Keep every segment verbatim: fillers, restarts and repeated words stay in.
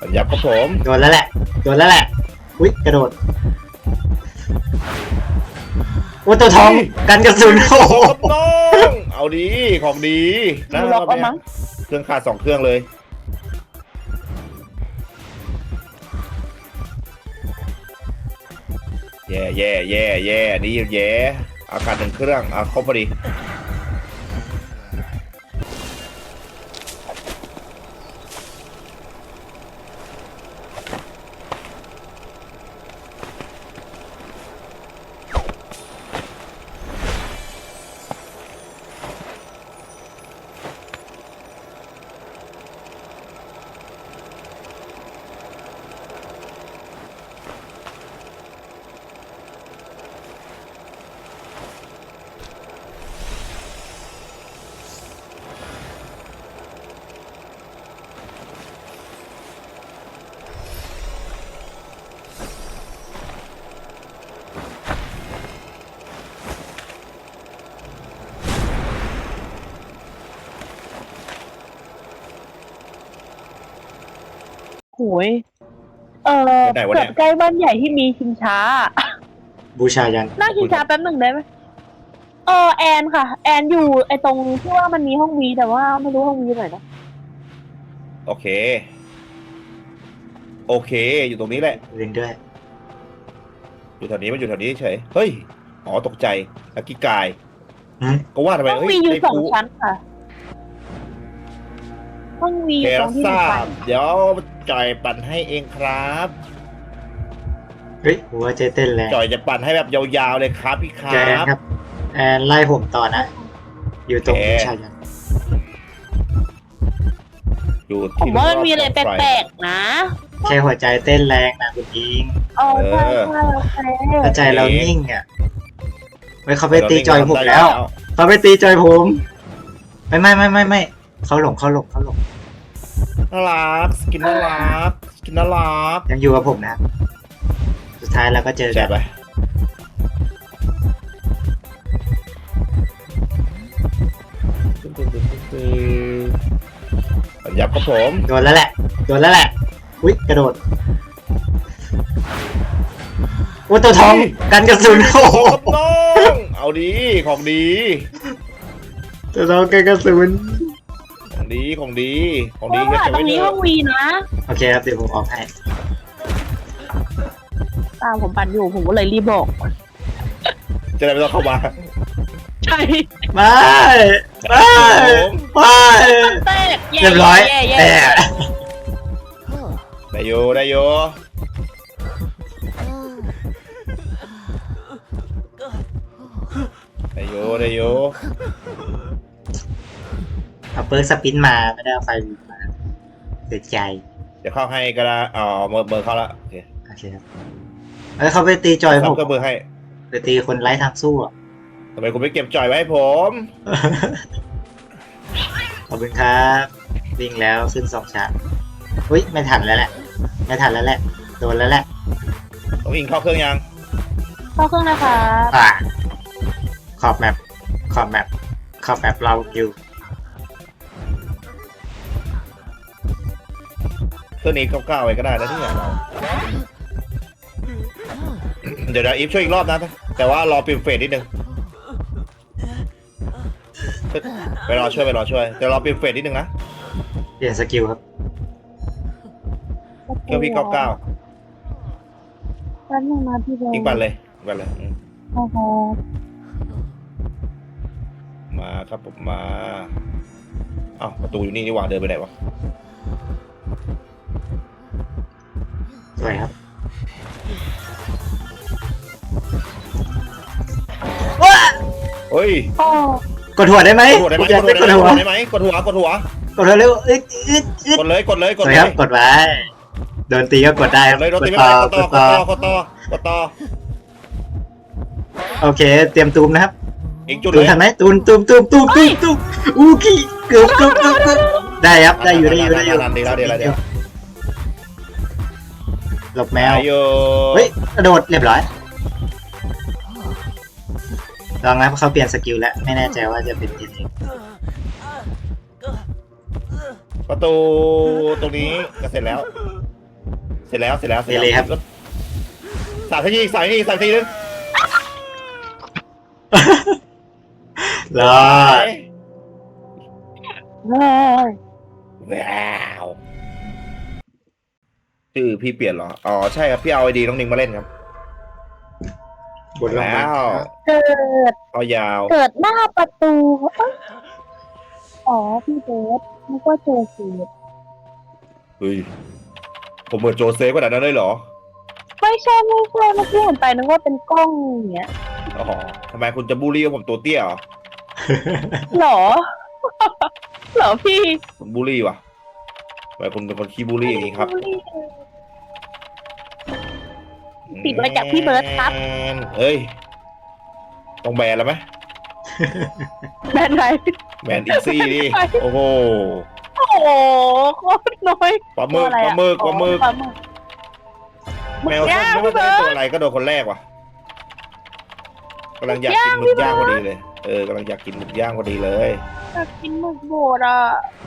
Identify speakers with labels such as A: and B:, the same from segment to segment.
A: ยับครับผม
B: โดนแล้วแหละโดนแล้วแหละอุ้ยกระโดดโอ้ตัวทองกันกระสุนโอ้โห
A: น้องเอาดีของดีนะรอบเนี้ยเครื่องขาดสองเครื่องเลยแย่แย่แย่แย่นี่แย่อาการหนึ่งเครื่องอ่ะครบพอดี
C: โอ้ยเออเกิดใกล้บ้านใหญ่ที่มีชิงช้า
B: บูชายัน
C: นั่งชิงช้าแป๊บหนึ่งได้ไหมเออแอนค่ะแอนอยู่ไอตรงที่ว่ามันมีห้องวีแต่ว่าไม่รู้ห้องวีไหนนะ
A: โอเคโอเคอยู่ตรงนี้แหละ
B: เล่นด้วย
A: อยู่แถวนี้มันอยู่แถวนี้เฉยเฮ้ยอ๋อตกใจลักกี้กายก็ว่าทำไม
C: ห้องวีอยู่สองชั้นค่ะห้องวีอยู่ตรงที่ทราบ
A: เดี๋ยวจอยปั่นให้เองครับ
B: เฮ้ยหัวใจเต้นแรง
A: จอยจะปั่นให้แบบยาวๆเลยครับพี่ครับ
B: แอนครับแอนไล่ผมต่อนะอยู่ตรงบูชายัน
A: อยู่
C: ผมว่ามันมีอะไรแปลกๆนะ
B: แค่หัวใจเต้นแรงนะคุณอิง
C: อ๋อใช่ใช่โอเค
B: ถ้าใจเรานิ่งอ่ะไม่เขาไปตีจอยผมแล้วเขาไปตีจอยผมไม่ไม่ไม่ไม่ไม่เขาหลงเขาหลงเขาหลง
A: น่ารักสกินน่ารักสกินน่ารัก
B: ยังอยู่กับผมนะสุดท้ายเราก็เจอกัน
A: ยับครับผม
B: โดนแล้วแหละโดนแล้วแหละอุ้ยกระโดดโอ้ตัวทองกันกระสุนโอ้โห
A: น้องเอาดีของดี
B: ตัวทองกันกระสุน
A: ของดีของดีของดี
C: ก็จะตรงนี้ห้องวีนะ
B: โอเคครับเดี๋ยวผมออกให้
C: ตามผมปั่นอยู่ผมก็เลยรีบบอก
A: จะได้ไม่ต้องเข้ามา
C: ใช่
B: ไม่ไม่ไม่เรียบร้อยแต่
A: ได้โยได้โยได้โยได้โย
B: เอาเปิร์กสปินมาไม่ได้เอาไฟมาเสียใจ
A: จะเข้าให้ก็ได้อ๋อเบอร์เบอร์เข้าละโอเค
B: โอเคครับเอ้ยเขาไปตีจอยผม
A: ก็เบอร์ให้
B: ไปตีคนไร้ทางสู้อ่ะ
A: ทำไมคุณไม่เก็บจอยไว้ให้ผม
B: ขอบคุณครับวิ่งแล้วขึ้นสองชั้นอุ้ยไม่ทันแล้วแหละไม่ทันแล้วแหละโดนแล้วแหละ
A: ต้องอิงเข้าเครื่องยัง
C: เข้าเครื่องนะคะ
B: อ่าขอบแมปขอบแมปขอบแมปเราอยู่
A: เครื่องนี้เก้าๆไว้ก็ได้นะที่เนี่ยเดี๋ยวเดี๋ยวอีฟช่วยอีกรอบนะแต่ว่ารอปิมเฟสนิดนึงไปรอช่วยไปรอช่วยเดี๋ยวรอปิมเฟสนิดนึงนะ
B: เปลี่ยนสกิลครับ
A: เครื่องพี่เก้าเก้า
C: แป๊บนึงนะพี่เบล
A: ยิงปั่นเลยปั่นเลย
C: โอ้โห
A: มาครับผมมาอ้าวประตูอยู่นี่นี่หว่าเดินไปไหนวะ
B: สวยครับ
A: เฮ้ย
B: กดหัวได้ไหม
A: กดหัวได้ไหมกดหัวได้ไหมกดหัวกดหัว
B: กดหัวเร็ว
A: กดเลยกดเลยกด
B: เลยครับกดไว้โดนตีก็กดได้
A: เลยโดนตีไม่ได้กดต่อกดต่อกดต่อกดต่อ
B: โอเคเตรียมตูมนะครับ
A: อีกจุด
B: เลยทันไหมตูมตูมตูมตูมตูมตูมอู้กี้เกือบเกือบเกือบได้ครับได้อยู่ได้อยู่ได้อยู่
A: ดีแล้วดีแล้วเดี๋ยว
B: หลบแมวเฮ้ยกระโดดเรียบร้อยลองนะเขาเปลี่ยนสกิลแล้วไม่แน่ใจว่าจะเป็นยังไง
A: ประตูตรงนี้ก็เสร็จแล้วเสร็จแล้วเสร็จแล้วเสร็จ
B: เดี๋ยวเลยครับ
A: สามทีสามทีสามทีนึง
B: รอด
C: เฮ้ย
A: ว้าวชื่อพี่เปลี่ยนเหรออ๋อใช่ครับพี่เอาไอดีน้องนิงมาเล่นครับ
B: บนโรงพยาบา
A: แล้
B: ล
A: ว
C: เกิด
A: เอายาว
C: เกิดหน้าประตูเอ้ยอ๋อพี่เบสนึกว่าเจอสี
A: เฮ้ยผมเหมือนโจเซฟขนาดนั้นเลยเหรอ
C: ไม่ใช่ไม่ใช่เมื่อกี้เห็นไปนึกว่าเป็นกล้องอย่างเงี้ย
A: อ๋อทำไมคุณจะบูลลี่ว่าผมตัวเตี้ยเหรอ
C: หรอ หรอพี่
A: คุณบูลลี่วะทำไมคุณเป็นคนขี้บูลลี่อย่างนี้ครับ
C: ติดมาจากพี่เบิร์ตครับ
A: เอ้ยต้องแบนแล้วไหม
C: แบนไหน
A: แบนอีซี่ดิโอ้โห
C: โอ้โหโคตรน้อย
A: ปลาหมึกปลาหมึกปลาหมึก
C: ปลาหมึก
A: แมวส้มไม่ว่าจะเป็นตัวอะไรก็โดนคนแรกว่ะกำลังอยากกินหมึกย่างพอดีเลยเออกำลังอยากกินหมึกย่างพอดีเลย
C: อยากกินหมึกโบดอ่ะ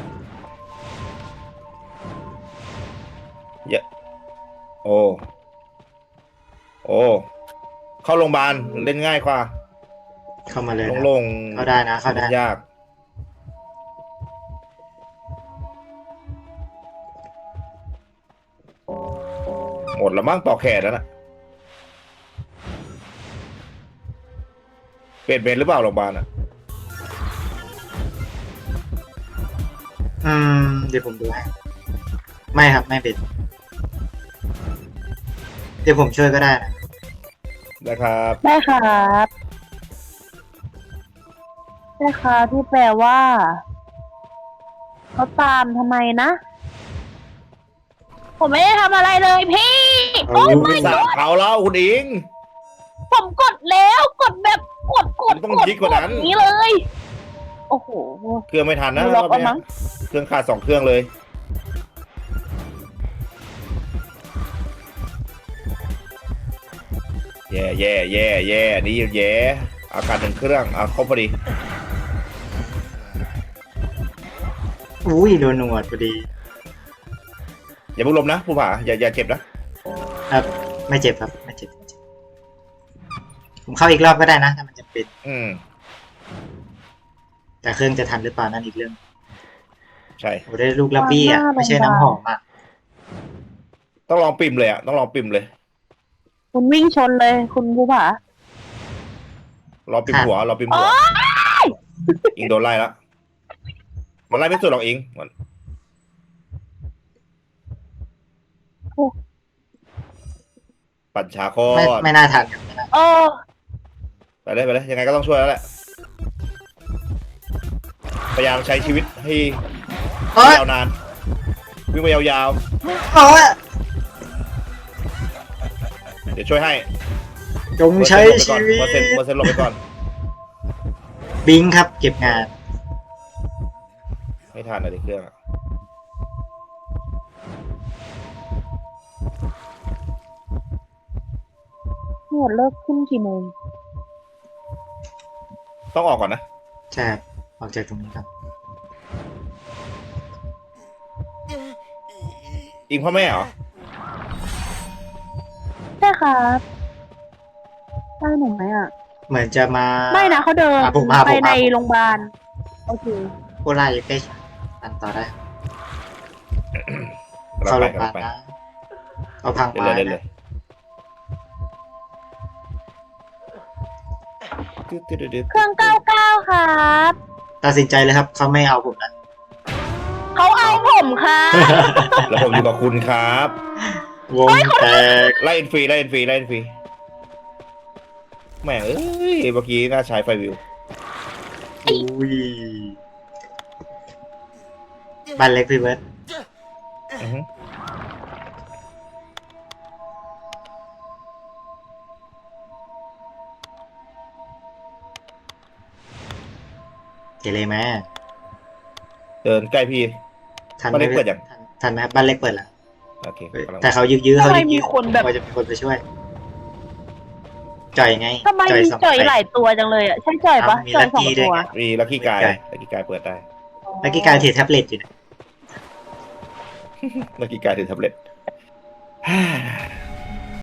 A: เยอะโอ้โอ้เข้าโรงพยาบาลเล่นง่ายกว่า
B: เข้ามาเลยนะ
A: โล่ง
B: เข้าได้นะเข้าได้
A: ยากหมดแล้วมั้งปอกแขนแล้วนะเปลี่ยนเมนหรือเปล่าโรงพยาบาลอ่ะ
B: อืมเดี๋ยวผมดูให้ไม่ครับไม่เป็นเดี๋ยวผมช่วยก็ได้นะ
A: นะครับ
C: ได้ครับได้ครับที่แปลว่าเขาตามทำไมนะ ผมไม่ได้ทำอะไรเลยพี่ โอ้ย
A: ไป
C: ไม่
A: สาบเขาแล้วคุณอิง
C: ผมกดแล้วกดแบบกดกด
A: ต้อง
C: กด
A: ยิ่งกว่านั้น
C: ดอย่างนี้เลย โอ้โห
A: เครื่องไม่ทันนะ
C: ดูล็อก
A: รอบเนี้ย
C: เอามั้ง
A: เครื่องขาดสองเครื่องเลย แย่แย่แย่แย่นี่แย่อาการหนึ่งเครื่องเอาครบพอดี
B: อุ้ยโดนหนวดพอดี
A: อย่าเพิ่งลมนะผู้ผ่าอย่าอย่าเจ็บนะครับ
B: ไม่เจ็บครับไม่เจ็บไม่เจ็บผมเข้าอีกรอบก็ได้นะถ้ามันจะเป็น
A: อืม
B: แต่เครื่องจะทันหรือเปล่านั่นอีกเรื่อง
A: ใช่
B: โอ้ได้ลูกลับบี้อ่ะไม่ใช่น้ำหอมอ่ะ
A: ต้องลองปิ่มเลยอ่ะต้องลองปิ่มเลย
C: คุณวิ่งชนเลยคุณภูผาร
A: อปิ่มหัวรอปิ่มหัวอิงโดนไล่แล้วมันไล่ไม่สุดหรอกอิงมันปั่นช้าโค
B: ไม่
A: ตร
B: ไม่น่าทันครับไม่น่า
C: เออ
A: ไปเลยไปเลยยังไงก็ต้องช่วยแล้วแหละพยายามใช้ชีวิตให้
B: โอ๊ย
A: ยาวนานวิ่งไปยาว
B: โอ๊ย
A: ๆเดี๋ยวช่วยให้
B: จงใช้ชีวิต
A: เปอร์เซ็นต์เปอร์เซ็นต์ลงไปก่อน
B: บิงครับ เก็บงาน
A: ไม่ทันอะไรเครื่องอะ
C: หมดเลิกขึ้นกี่โมง
A: ต้องออกก่อนนะ
B: ใช่ครับออกจากตรงนี้ครับ
A: อิงพ่อแม่เหรอ
C: ใช่ครับได้หนูไหมอ่ะ
B: เหมือนจะมา
C: ไม่นะเขาเดิน
B: อ่ะผมมา
C: ไป
B: ผมมา
C: ในโรงพยาบาล โอเค
B: โคราชอยู่ใกล้อันต่อได้
A: กำลั
B: เข้าง โร
A: ไป
B: งพยาก
A: ำ
B: บา
A: ลั
B: ล
A: งไป
B: นะเอาพัง
A: เล่น
B: ไม้
A: เลยเล่นเล
B: นะ
A: ยตึ๊ดตึ๊ดตึ๊ดตึ๊ด
C: เครื่องเก้าเก้าครับ
B: ตัดสินใจเลยครับเขาไม่เอาผมนะ
C: เขาเอาผมครับ
A: แล้วผมอยู่กับคุณครับ
B: วงแตก
A: ไล่อินฟรีไล่อินฟรีไล่อินฟรีแหม่เอ้ยเมื่อกี้น่าใช้ไฟวิว
B: อุ้ยบ้านเล็กพี่เบิร์ด
A: อือฮึ
B: เกเรไหม
A: เดินใกล้พี่
B: ทัน
A: บ้าน
B: ไหม
A: เล็กเปิดยัง
B: ทันทันไหมบ้านเล็กเปิดแล้ว
A: โอเคกำลัง
B: แต่เขายื้อๆ
C: ทำ
B: เขา
C: ไม
B: ยื้อๆ
C: มีคนแบบ
B: ว่าจะมีคนไปช่วย จ่อยไง
C: ทำไม
B: จ่อย
C: มี
B: สอง
C: จ่อย
B: ใบ
C: หลายตัวจังเลยอ่ะ ใช่จ่อยปะ
B: อ่ะมี
C: จ่อยสอง
B: ลัคกี้ด้
C: ตัว วย
B: ไง
A: มีลักกี้กาย
B: ใช่
A: ลักกี้กายเปิดได้
B: เมื่อกี้การถือแท็บเล็ตอยู่นะ
A: ลักกี้กายถือแท็บเล็ตฮ่า